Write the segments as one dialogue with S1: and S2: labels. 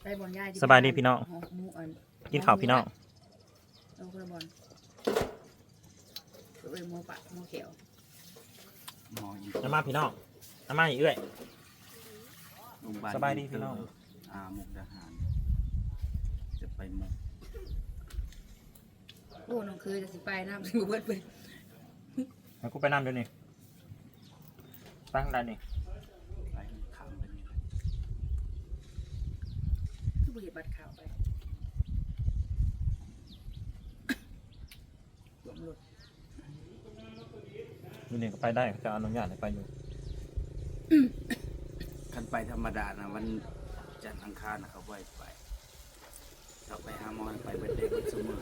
S1: ไปบอลย่าย
S2: สบายดีพี่น้องกินข้าวพี่น้อง
S1: เอาคนละบอลเอ้ยโมปะโมเขียว
S2: น้ำมาพี่น้องน้ำมาอีกเอ้ยสบายดีพี่น้อง
S3: มุกดาหารจะไปมุก
S1: โอ้น้องเคยจะสิไปน้ำสิบเบิดไป
S2: แล้วกูไปน้ำเดี๋ยวนี้ตั้งได้นี่
S3: ไปขำไปนี่
S1: คือบุหรี่บัตรข่าวไปรวมรถ
S2: อยู่นี่ก็ไปได้จะอนุญาตให้ไปอยู่
S3: คันไปธรรมดานะวันจันทร์อังคารนะเขาไปเราไปหาหมอไปเป็นเด็กเป็นสมุน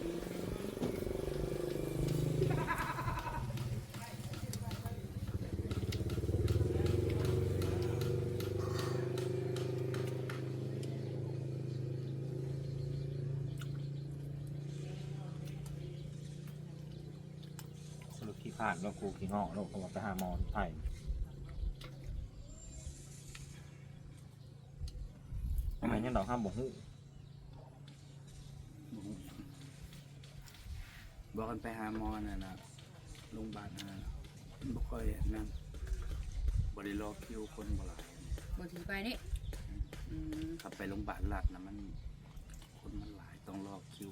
S2: สรุปที่พลาดแล้วกูขี้งอกแล้วก็ไปหาหมอไทยทำไมยังดอกห้ามบอกหู
S3: บอกกันไปหาหมอนะโรงพยาบาลนะบ่ค่อยนั่นบริโภคคิวคนบ่หลาย
S1: บางทีไปนี่
S3: ขับไปโรงพยาบาลหลักนะมันคนมันหลายต้องรอคิว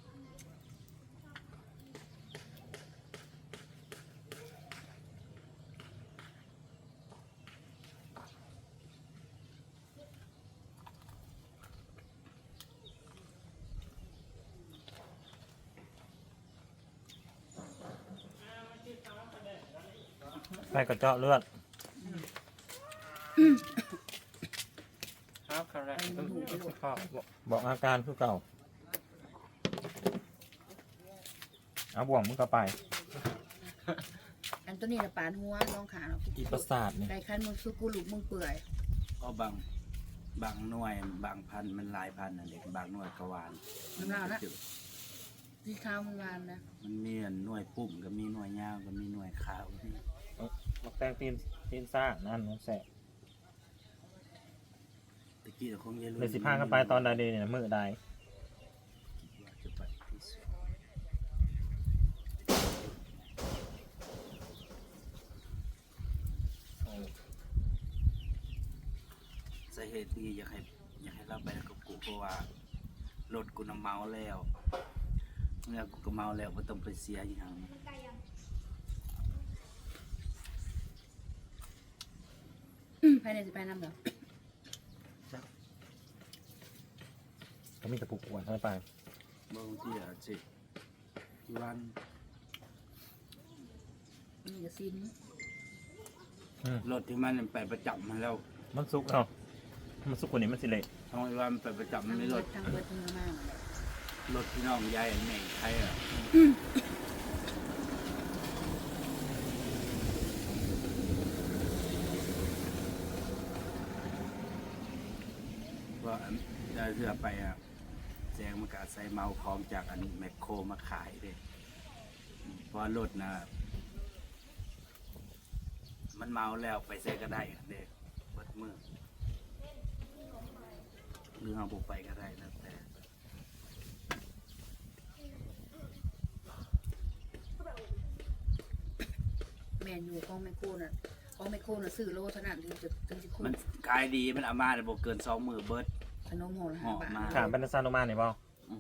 S2: ไปกระเจาะเลือดครับครับบอกอาการคือเก่าเอาบ่วงมึงก็ไป
S1: อันตัวนี้ละปานหัวน้องขาเนาะ
S2: อีประสาทนี่
S1: ไก่คันมึงสุกุลุกมึงเปื่อย
S3: ก็บางหน่วยบางพันมันหลายพันนั่นเองบางหน่วยกวาน
S1: น้ำลาวนะที่ข้าวมึงวานนะ
S3: มันมีหน่วยปุ่มก็มีหน่วยยาวก็มีหน่วยขาว
S2: มักแตงตีนซ่านั่นน้องแสบ
S3: ตะกี้เราคงจะรู้
S2: เลย15กันไปตอนใดเนี่ยมือใด
S3: จะไปสาเหตุที่อยากให้เราไปกับกูเพราะว่ารถกูน้ำเมาแล้วเมื่อกูก็เมาแล้วก็ต้องไปเสียอย่าง
S1: ภายในจะไปน้ำเหรอ
S2: ก็มีแต่ปลูกอวนเข้าไป
S3: บางทีอ่ะสิวัน
S1: นี่จะซิน
S3: รถที่มันไปประจำมันแล้ว
S2: มันสุกเนาะมันสุกกว่านี้มันสิเละ
S3: ทางวันไปประจำมันไม่รถ
S1: ทางเบิดทางมาก
S3: รถพี่น้องยายแม่ใครอ่ะว่าจะเรือไปอ่ะแจงมากาใส่เมาคลองจากอันแมคโครมาขายเลยเพราะรถนะมันเมาแล้วไปใส่ก็ได้เด็กวัดมือหรือเอาบุกไปก็ได้แล้วแต่
S1: แมนอยู่ของแมคโครน่ะของแมคโครน่ะซื้อโลเท่านั้นถึงจะคุ้ม
S3: มันขายดีมันเอามาแต่บอกเกิน2 มือเบิร์ด
S1: ขนมห่อละ5 บาท
S2: ถามเป็นซาโนมาเนี่ยบ่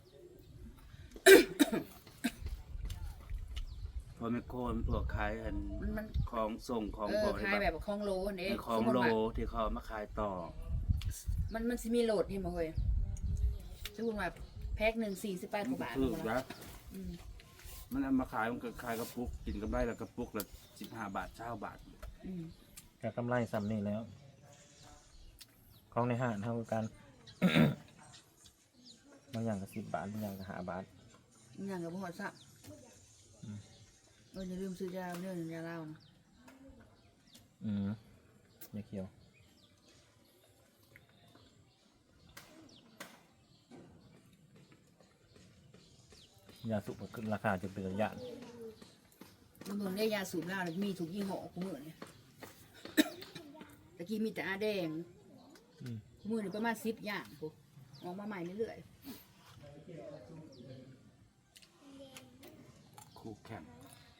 S3: พอแมคโครมันพวกขายอันของส่งของ
S1: ขายแบบของโลนี่
S3: ของโลที่เขามาขายต่อ
S1: มันสิมีโหลดนี่มาเฮ้ยสมมุติว่าแพ็ค1 48 กว่าบาท
S3: ถูกแล้วมันเอามาขายมันก็ขายกระปุกกินกับได้แล้วกระปุกละ15 บาท20 บาท
S2: ก็กำไรซ้ำนี่แล้วของในห้างเท่ากันบางอย่างก็10 บาทบางอย่างก็5 บาท
S1: บางอย่างก็บ่ฮอดซักอย่าลืมซื้อยาเนื้อยาเหล้านะ
S2: ยาเขียวยาสูบขึ้นราคาจะเป็นระยะ
S1: บางคนได้ยาสูบเหล้ามีถูกยี่ห้อกูมือเนี่ยตะกี้มีแต่อาแดงกูมือเนี่ยประมาณ10 อย่างกูออกมาใหม่เรื่อย
S3: คู่แข่ง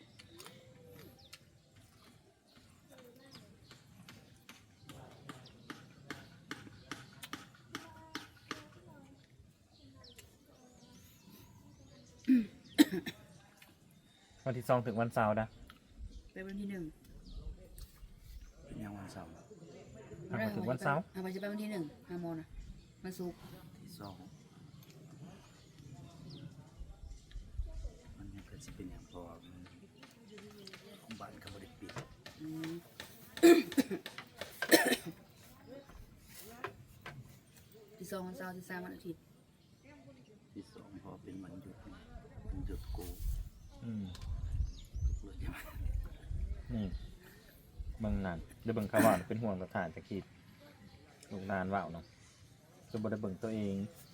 S2: วันที่2ถึงวันเสาร์นะ
S1: ๆไปวันที่1
S3: เป็นยังวันเสาร์
S2: ถึงวันเสาร์
S1: เอาไปจะไปวันที่1 5 โมงนะวันศุกร์
S3: ที่สองมันยังเกิดสิเป็นอย่างพอของบ้านเขาบ่ได้ปิด
S1: อืมที่2วันเสาร์ที่3วันอาทิตย์
S3: ที่สองพอเป็นวันหยุดมันหยุดกู
S2: อืม
S3: เลยใช่ไหม
S2: นี่เบิ่งนานเดี๋ยวเบิ่งข่าวว่าเป็นห่วงสถานจะคิดลูกนานว่าวเนาะจะบ่ได้เบิ่งตัวเอง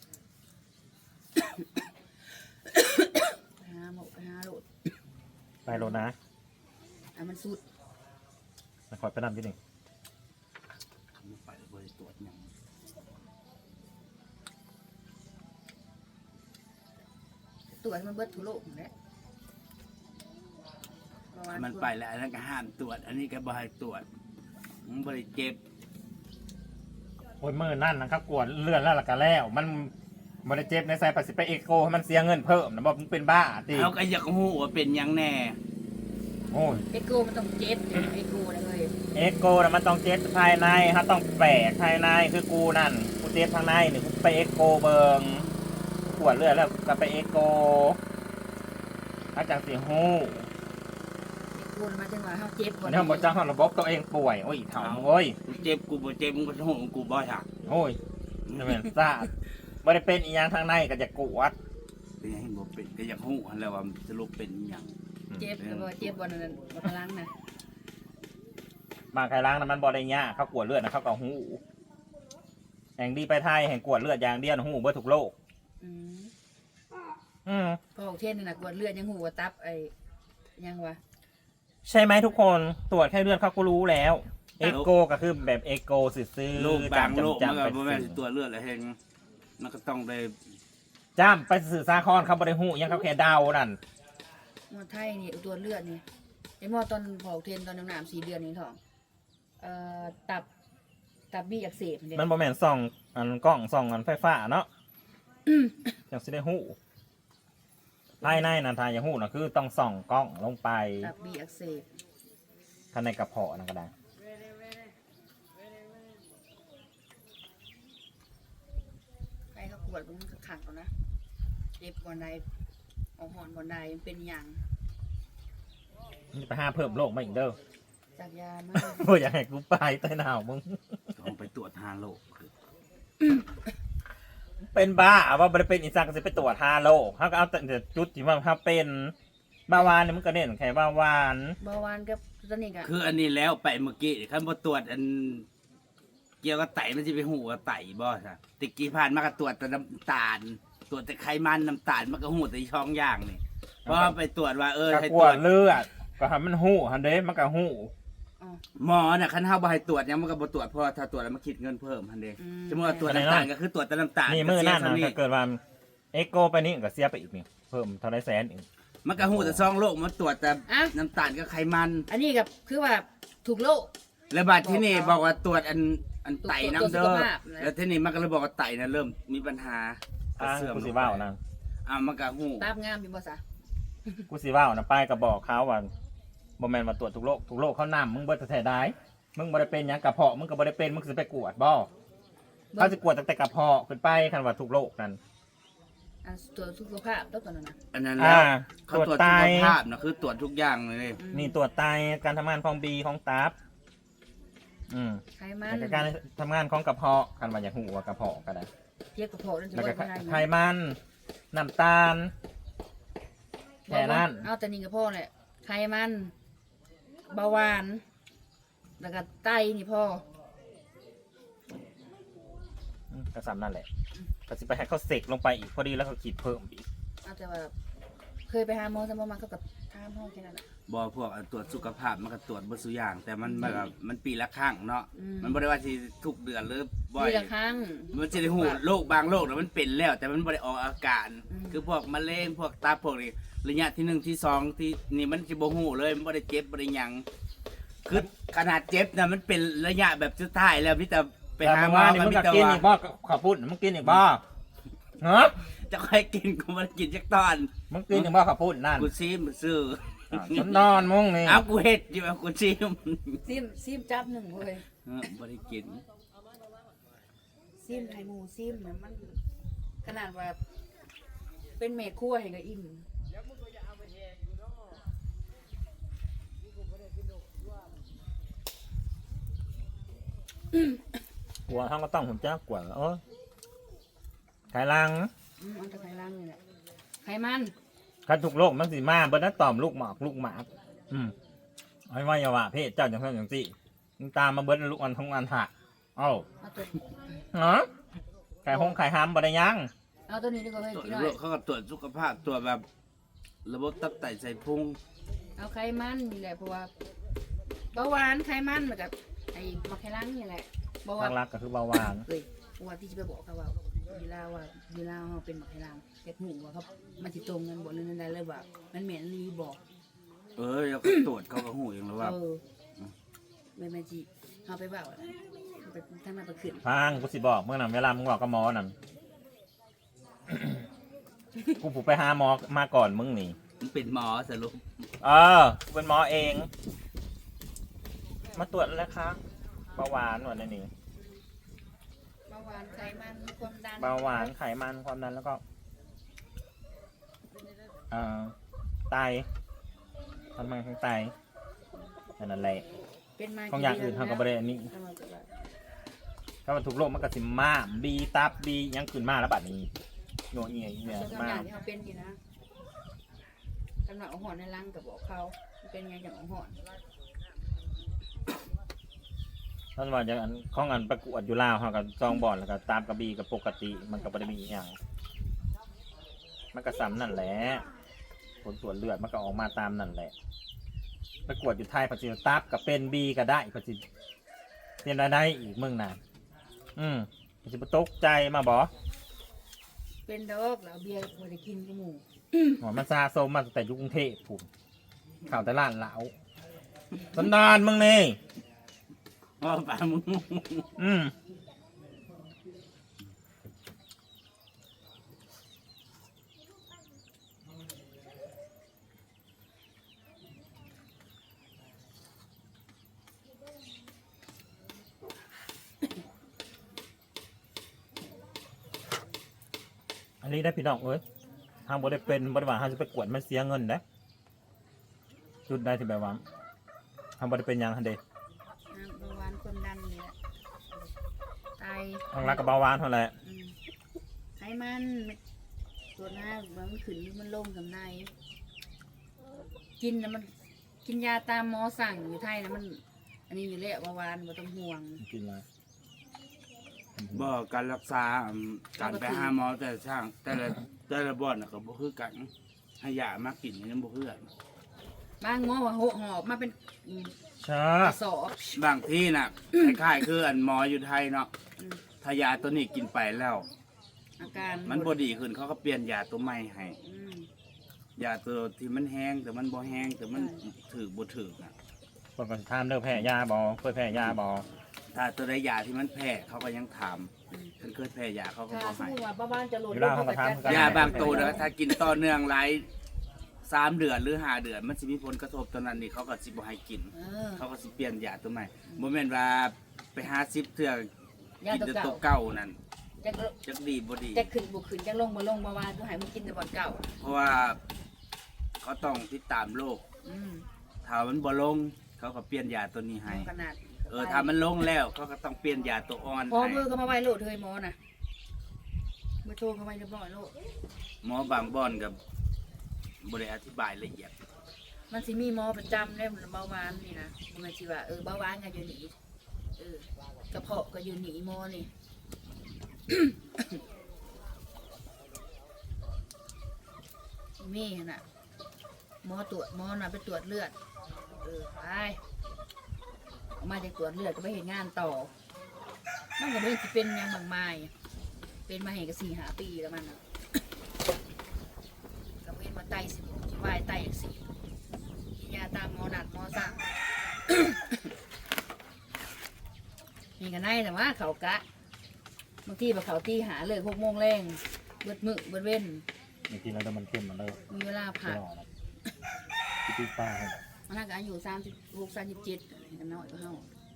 S1: ไปหาหมกไปหาโหลด
S2: ไปโลนะ
S1: มันสุด
S2: มาคอยไปนำที่หนึ่ง
S3: มันไปแล้วบ่ได้ตรวจหยัง
S1: ตรวจมันเบิดทั่วโลกหมดแล้ว
S3: มันไปแล้วอันนั้นก็ห้ามตรวจ อันนี้ก็บ่ให้ตรวจมันบ่ได้เจ็บ
S2: โอ้ยมือนั่นนะครับกวดเลื่อนแล้วล่ะก็แล้ว มันบริเจ็บในสายปัสสิไปเอโกให้มันเสียเงินเพิ่มนะบอกมันเป็นบ้าตี
S3: เขาก็อยากฮู้ว่าเป็นหยังแน่
S2: โอ้ย
S1: เอโกมันต้องเจ็บเอโกเลย
S2: เอโกนะมันต้องเจ็บภายในฮะต้องแปะภายในคือกูนั่นกูเจ็บทางในนี่กูไปเอโกเบิงกวดเลือดแล้วก็ไปเอโกอาจารย์สิฮู้
S1: เอโกมาจังหวะเฮาเจ็บ
S2: วันนี้ผมบอกจ้างระบบตัวเองป่วยโอ้ยเถ่าโอ้ย
S3: กูเจ็บกูบ่เจ็บมึงก็โหงกูบ่หัก
S2: โอ้ยจะเป็นซาดไม่ได้เป็นอีหยังทางในก็จะกวด
S3: เป็นหยังบ่เป็นก็อยากฮู้หั่นแหล้วว่ามันสรุปเป็นหยัง
S1: เจ็บแต่ว่าเจ็บบอลนั้นบอลพลังนะ
S2: บางใครล้างน้ำมันบอได้ยากเขากวดเลือดนะเขาก็หูแห่งดีไปไทยแห่งกวดเลือดอย่างเดียวหูเบื่อถูกโลก
S1: อืม
S2: อืม
S1: พอออกเทศนี่นะกวดเลือดยังหูว่าตับไอ้ยังวะ
S2: ใช่ไหมทุกคนตรวจแค่เลือดเขาก็รู้แล้วเอ็กโกก็คือแบบเอ็กโกซื้อ
S3: โรคบางโรคมันก็บ่แม่น
S2: ไป
S3: ตัวเลือดแล้วเฮงมันก็ต้องได้
S2: จ้ำไปสื่อสาครเขาบริหูยังเขาแค่เดานั่น
S1: มอไทยนี่ตัวเลือดนี่ไอ้หมอตอนพอออกเทศตอนน้ำ4 เดือนนี่ท้องตับบี้อักเสบเนี่ย
S2: มันบอแมนส่องอันกล้องส่องอันไฟฟ้าเนาะยังสิได้หูภายในนันทายอย่างหูนะคือต้องส่องกล้องลงไป
S1: ตับบี้อักเสบ
S2: ภายในกระเพาะนั่นก็ได้
S1: ใครเขากวดมันก็ขังก่อนนะเจ็บบอลใดออกหอนบอลใดเป็นอย่าง
S2: มันจะไปห้าเพิ่มโรคมาอีกเด้อ
S1: จากยามา
S2: บ่อยากให้กูไปใต้หนาวมึง
S3: ต้องไปตรวจหาโรคคือ
S2: เป็นบ้าว่าบ่ได้เป็นอีสักก็สิไปตรวจ5 โรคเขาก็เอาแต่จุดที่ว่าเขาเป็นเบาหวานเนี่ยมันก็เน้นแค่เบาหวาน
S1: เบาหวานกับตอนนี้ก็
S3: คืออันนี้แล้วไปเมื่อกี้คันบ่ตรวจอันเกี่ยวกับไตมันสิไปฮู้ว่าไตบ่ซะตะกี้ผ่านมาก็ตรวจแต่น้ำตาล ตรวจแต่ไขมันน้ำตาลมันก็ฮู้แต่ช่องอย่างนี่พอไปตรวจว่า
S2: ก็
S3: ให้
S2: ก
S3: ตร
S2: ว
S3: ว
S2: ด
S3: จ
S2: เลือดก็ทำมันหู้ฮันเด้มันก็หู้
S1: อ๋อ
S3: หมอน่ะคันเฮาบ่ให้ตรวจหยังมันก็บ่ตรวจเพราะว่าถ้าตรวจแล้วมันคิดเงินเพิ่มหั่นเด้
S1: อืม
S3: สมมุติว่าตรวจน้ำตาลก็คือตรวจแต่น้ำตาล
S2: นี่มือนั่น
S3: ก็
S2: นะ
S3: เสีย
S2: ถ้าเกิดว่าเอ็กโกไปนี่ก็เสียไปอีกนี่เพิ่มเท่าไรแสนอีก
S3: มันก็ฮู้แต่ช่องโรคมันตรวจแต่
S1: อ่ะ
S3: น้ำตาลกับไขมัน
S1: อันนี้กับคือว่าถูกโลก
S3: แล้วบัดที่นี่บอกว่าตรวจอันไตน้ำ
S1: ตรวจสุ
S3: เด้
S1: ข
S3: อ
S1: ภาพนะ
S3: แล้วที่นี่มันก็เลยบอกว่าไตน่ะเริ่มมีปัญหา
S2: อ่ะ
S3: เสื่อม
S2: กู
S3: ล
S2: สิ
S3: งไป
S2: ว่าวนะ
S3: มันก็ฮู้
S1: ตาบงามเป็นภาษา
S2: กูสิว่าวนะป้ายก็บอกเขาว่าบ่แม่นมาตรวจทุกโรคเขานำมึงเบิดแต่ได้มึงบ่ได้เป็นหยังกระเพาะมึงก็บ่ได้เป็นมึงสิไปกวดบ่เขาจะกวดตั้งแต่กระเพาะขึ้นไปคันว่าทุกโรคนั่น
S1: อันตรวจสุขภาพต้องตอนนั้นนะ
S3: อันนั้นแล้วเขา
S2: ตรวจ
S3: ตรวจ
S2: ไต
S3: สุขภาพนะคือตรวจทุกอย่างเลย
S2: นี่ตรวจไตการทำงานของบีของตับ
S1: ไขมัน
S2: แล้วก็การทำงานของกระเพาะคันว่าอยากหูว่ากระเพาะก็ได้
S1: เทียบกับโผล่นั่นถือ
S2: แล้วก็
S1: ว่าไม่ได้
S2: ไขมันน้ำตาลแค่นั้น
S1: เอาแต่นี่กับพ่อแหละไขมันเบาหวานแล้วก็ไตนี่พ่อ
S2: ก็ซ้ำนั่นแหละก็สิไปให้เขาเสกลงไปอีกพอดีแล้วเขาขีดเพิ่มอีก
S1: เอาแต่ว่าเคยไปหาหมอสมองมาเขากับทามห้องแค่นั้นแหละ
S3: บอพวกตรวจสุขภาพมันก็ตรวจบ่สุอย่าง แต่มันแบบมันปีละครั้งเนาะ
S1: อืม
S3: มันบ่ได้ว่าสิทุกเดือนหรือบ่อย
S1: ทีละครั้ง
S3: มันจะได้หูโรคบางโรคนะมันเป็นแล้ว แต่มันบ่ได้ออกอาการ
S1: อืม
S3: คือพวกมะเร็งพวกตับพวกนี้ระยะที่1ที่2ที่นี่มันสิบ่ฮู้เลยมันบ่ได้เจ็บบ่ได้หยังคือขนาดเจ็บนะมันเป็นระยะแบบสุดท้ายแล้วมีแต่ไป
S2: แต่
S3: หา
S2: เมื่อ
S3: หมอ
S2: วานนี่
S3: ก็
S2: มึง
S3: มี
S2: ก็
S3: แต่
S2: กิน
S3: ว่า
S2: อีกบ่ขอพูดมึงกินอีกบ่ฮะ
S3: จะค่อยกินกูบ่ได้กินจักตอน
S2: มึงกินอีกบ่ขอพูดนั่น
S3: กูซีมซื้อ
S2: ฉันนอนมึงนี่
S3: เอากูเฮ็ดอยู่เอากูซีม
S1: ซิมจับหนึ่งเว้ย
S3: บ่ได้กิน
S1: ซิมไทยหมูซิมนะมันขนาดว่าเป็นเมฆคั่วเห็นก็อิ่ม
S2: หัวห้องก็ต้องผมจ้ากว่าเออไขลัง
S1: มันจะไขล่างนี่แหละไขมัน
S2: คันทุกโลกมันสิมาเบิ่นั้นตอมลูกหมอกลูกหมากไอ้ว่าอย่าว่าเพศเจ้าจังซั่นจังซี่มึงตามมาเบิ่นลูกอันทงอันถะเอ้า
S1: เอาตัว
S2: ฮะไข่หงไข่หามบ่ได้ยัง
S1: เอาตัวนี้ดีกว่าเฮ้ย
S3: ตรวจ
S1: พี่น้อ
S3: โร
S1: ย
S3: คเขาก็ตรวจสุขภาพตรวจแบบระบบตับไตใส่พุง
S1: เอาไขมันนี่แหละเพราะว่าเบาหวานไขมันเหมือนกับไอ้มะไขล่างนี่แหละเบาหวาน
S2: หลักๆก็คือเบาหวาน
S1: เฮ้ยเพราะว่าที่จะไปบอกเขาว่าเวลาเขาเป็นมะไขล่างเฮ็ดหูว่าเขามันสิตรงกันบ่นั่นได้เลยว่ามันเหม็นรีบอก
S3: แล้วก็ตรวจเขาก็หูเองแล้วว่า
S1: ไม่แม่จีเอาไปเปล่าไปทำมาไปขึ้น
S2: ฟังกูสิบอกเมื่อนั้นเวลามึงบอกกับหมอนั่น กูผูกไปหาหมอมาก่อนมึงนี่
S3: มันเป็นหมอสรุป
S2: กูเป็นหมอเอง มาตรวจแล้วครับเบาหวานหนวดนี่
S1: เบาหวานไขมันความดัน
S2: เบาหวานไขมันความดันแล้วก็ไตทำไมทั้งไตนั่นแหละ
S1: เป็นมา
S2: ของอย่างอื่นทำกับบริเวณนี้ถ้ามันถูกโรคมันก็สิมาบีตับบียังขึ้นมาแล้วบัดนี้โยเอียเนี่ย
S1: ส่วน
S2: มา
S1: อย่างที่เขาเป็นอยู่นะกำลังเอาหอนในรังกับบอกเขาเป็นไงอย่างเอาหอน
S2: ท่านว่าอย่างอันของอันประกวดอยู่ลาวเขากับซองบอลแล้วก็ตามกระบีกับปกติมันก็บริมีอหย่างมันก็ซ้ำนั่นแหละผลตรวจเลือดมันก็ออกมาตามนั่นแหละประกวดอยู่ไทยปัจจุบันตับกับเป็นบีก็ได้ปัจจุบันเป็นอะไรอีกมึงน่ะปัจจุบันตกใจมาบอ
S1: เป็นดอกแล้วเบียร์พอได้กินกับหมู
S2: หัวมันซาโซมมาตั้งแต่ยุคกรุงเทพผมข่าวแต่ล้านเหลาสันดานมึงนี่
S3: ว่าปามึง
S2: อันนี้ได้พี่น้องเอ้ยทางบริเป็นบริวารทางจะไปกวดมันเสียเงินนะจุดได้ที่แบบว่าทางบริเป็นยังฮันเด
S1: เบาหวานความดันนี่แหละไต
S2: ทางรักกับเบาหวานเท่าไหร่
S1: ไขมันตัวหน้ามันขึ้นหรือมันลงกับในกินนะมันกินยาตามหมอสั่งอยู่ไทยนะมัน อันนี้อยู่แล้วเบาหวานไม่ต้องห่วง
S2: กินอะไร
S3: บอกการรักษาการไปหาหมอแต่ละช่างแต่ละบ่อนน่ะก็บ่คือกันให้ยามากินยังบ่คือกัน
S1: บางหมอว่าหอบมาเป็น
S2: ใช่
S1: กระสอบบ
S3: างที่น่ะ คล้ายๆคืออันหมออยู่ไทยเนาะถ้ายาตัวนี้กินไปแล้ว
S1: อาการ
S3: มันบ่ดีขึ้นเขาก็เปลี่ยนยาตัวใหม่ให้
S1: อืม
S3: ยาตัวที่มันแห้งแต่มันบ่แห้งแต่มันถือบ่ถือน่ะ
S2: ปกติทานเลิกแพ้ยาบอเคยแพ้ยาบอ
S3: ถ้าตัวใดยาที่มันแพ้เขาก็ยังถามฉันเคยแพ้ยาเขาก็
S1: ถ้า
S3: บ่
S1: สม
S3: ให้
S1: มติว่าบ้านจะโหลด
S3: ยาบางตัวนะถ้ากินต่อเนื่องหลาย3 เดือนหรือ5 เดือน มันสิมีผลกระทบตัวนั้นนี่เขาก็สิบ่ให้กิน เขาก็สิเปลี่ยนยาตัวใหม่บ่แม่นว่าไปหา10เทื่อย
S1: า
S3: กิน
S1: ตัว
S3: แต่
S1: เก่า
S3: ตัวเก่านั่น
S1: จะ
S3: จักดีบ่ดี
S1: จะขึ้นบุขึ้นจะลงบ่ลงบ่ว่าก็ให้มันกินแต่บ่อนเก่า
S3: เพราะว่าเขาต้องติดตามโรค
S1: อืม
S3: ถ้ามันบ่ลง เขาก็เปลี่ยนยาตัวนี้ให้
S1: ขนาด
S3: ถ้ามันลงแล้วเขาก็ต้องเปลี่ยนยาตัวอ่อน
S1: พอ
S3: ให้
S1: มือก็มาไว้โหลดเลยหมอน่ะเบอร์โทรเขาไว้เรียบร้อยโหลด
S3: หมอบางบ่อนกับบ่ได้อธิบายละเอียด
S1: มันสิมีหมอประจำได้เบาหวานนี่นะมันสิว่าเบาหวานก็อยู่นี่กระเพาะก็อยู่นี่หมอนี่ มีน่ะหมอตรวจหมอน่ะไปตรวจเลือดไปออกมาจากตรวจเลือดก็ไปเห็นงานต่อมันก็ไม่ได้สิเป็นหยังมากมายเป็นมาให้ก็4-5 ปีแล้วมันน่ะก็เว้นมาไตสิวายไตอักเสบกินยาตามหมอนัดหมอสั่ง นี่ก็ได้แต่ว่าเขากะบางทีแบบเขาตีหาเลย6 โมงแรงเบิดมื้อเบิดเว้น
S2: บางทีเราจะมันเข้มมันเลย
S1: มีเวลาพัก
S2: พี่ป้าให้
S1: มันน่าจะอายุ36-37กันน้อยก็เฮา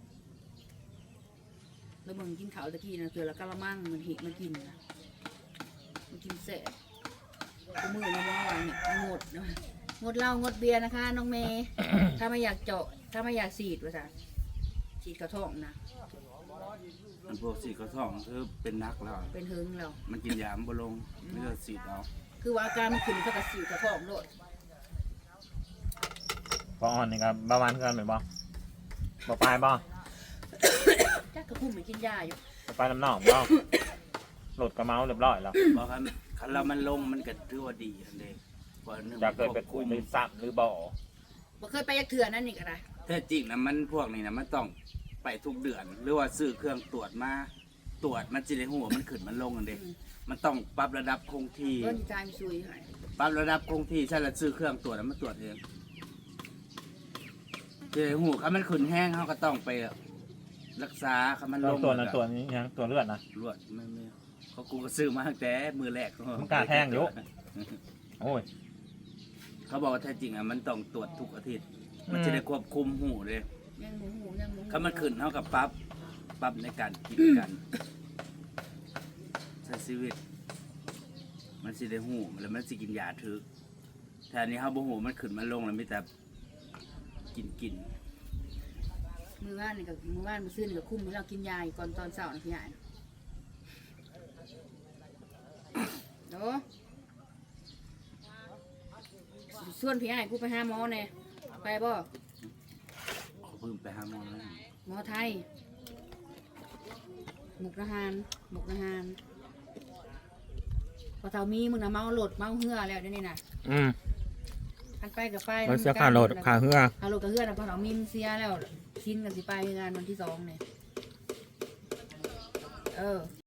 S1: แล้วมึงกินข้าวตะกี้นะคือละกะละมังมันหิมันกินนะมันกินเสร็จกูมือนะว่าเนี่ยงดนะงดเหล้างดเบียร์นะคะน้องเมย์ ถ้าไม่อยากเจาะถ้าไม่อยากฉีดว่าจ้ะฉีดกระท้องนะ
S3: มันพวกสีกระท่องคือเป็นนักแล้ว
S1: เป็นหึงแล้ว
S3: มันกินยามบ่ลงไม่ก็สีดเอา
S1: คือว่าอาการมันขึ้นเท่ากับฉีดกระท้องโลด
S2: พออ่อนนี่ครับประมาณกันเหมือนบ่บ่ปลายบ่
S1: จักกระพุ่มไม่กินยาอยู่
S2: บ่ปลายน้ำหนองบ่หลุดกระเมาเรียบร้อยแล้ว
S3: เพราะคันเรามันลงมันก็ถือว่าดีอันเด้เพราะหนึ่ง
S2: จะเกิดไปคุยหรือซ้ำหรือบ่
S1: บ่เคยไปยักเถื่อนั่นนี่ก็ได้
S3: แท้จริงนะมันพวกนี้นะมันต้องไปทุกเดือน หรือว่าซื้อเครื่องตรวจมาตรวจมันจะได้หัวามันขึ้นมันลงอันเด้มันต้องปรับระดับคงที่
S1: เพิ่นใจมันซุยให้
S3: ปรับระดับคงที่ใช่ละซื้อเครื่องตรวจแล้วมาตรวจเองเจอหูคันมันขึ้นแห้งเขาก็ต้องไปรักษาคันมันลง
S2: ตัวนั้นตัวนี้ยังตัวเลือดนะ
S3: รวดไม่เขากูก็ซื้อมาตั้งแต่มือแรก
S2: มันกล้าแท่งอยู่ โอ้ย
S3: เขาบอกว่าแท้จริงอ่ะมันต้องตรวจทุกอาทิตย์ มัน
S2: อืม
S3: จะได้ควบคุมหูเลย
S1: ยังหมูหูยังหมูหู
S3: คันมันขึ้นเขากับปรับในการกินกันใช้ชีวิต มันสิได้หูแล้วมันสิกินยาถึกแต่อันนี้เขาบ่หูมันขึ้นมันลงแล้วมีแต่กิน
S1: มือว่านนี่ก็มือว่านมือซื่อนี่ก็คุ้มให้เรากินยาอีกก่อนตอนเช้านะพี่ใหญ่โดส่วนพี่ใหญ่กูไปหาหมอเนี่ยไปบ่
S3: เขาเพิ่งไปหาหมอแล้ว
S1: หมอไทยหมกทหารพอเท่ามีมึงนะเมาโหลดเมาเหือแล้วเดี๋ยวนี้นะ
S2: อืม
S1: อันไปกับไป
S2: มันเสียค่าโหลดค่าเหือ
S1: ค่าโหลดกับเหือนะพอเท่ามีมนเสียแล้วชิ้นกันสิไปงานวันที่2เนี่ย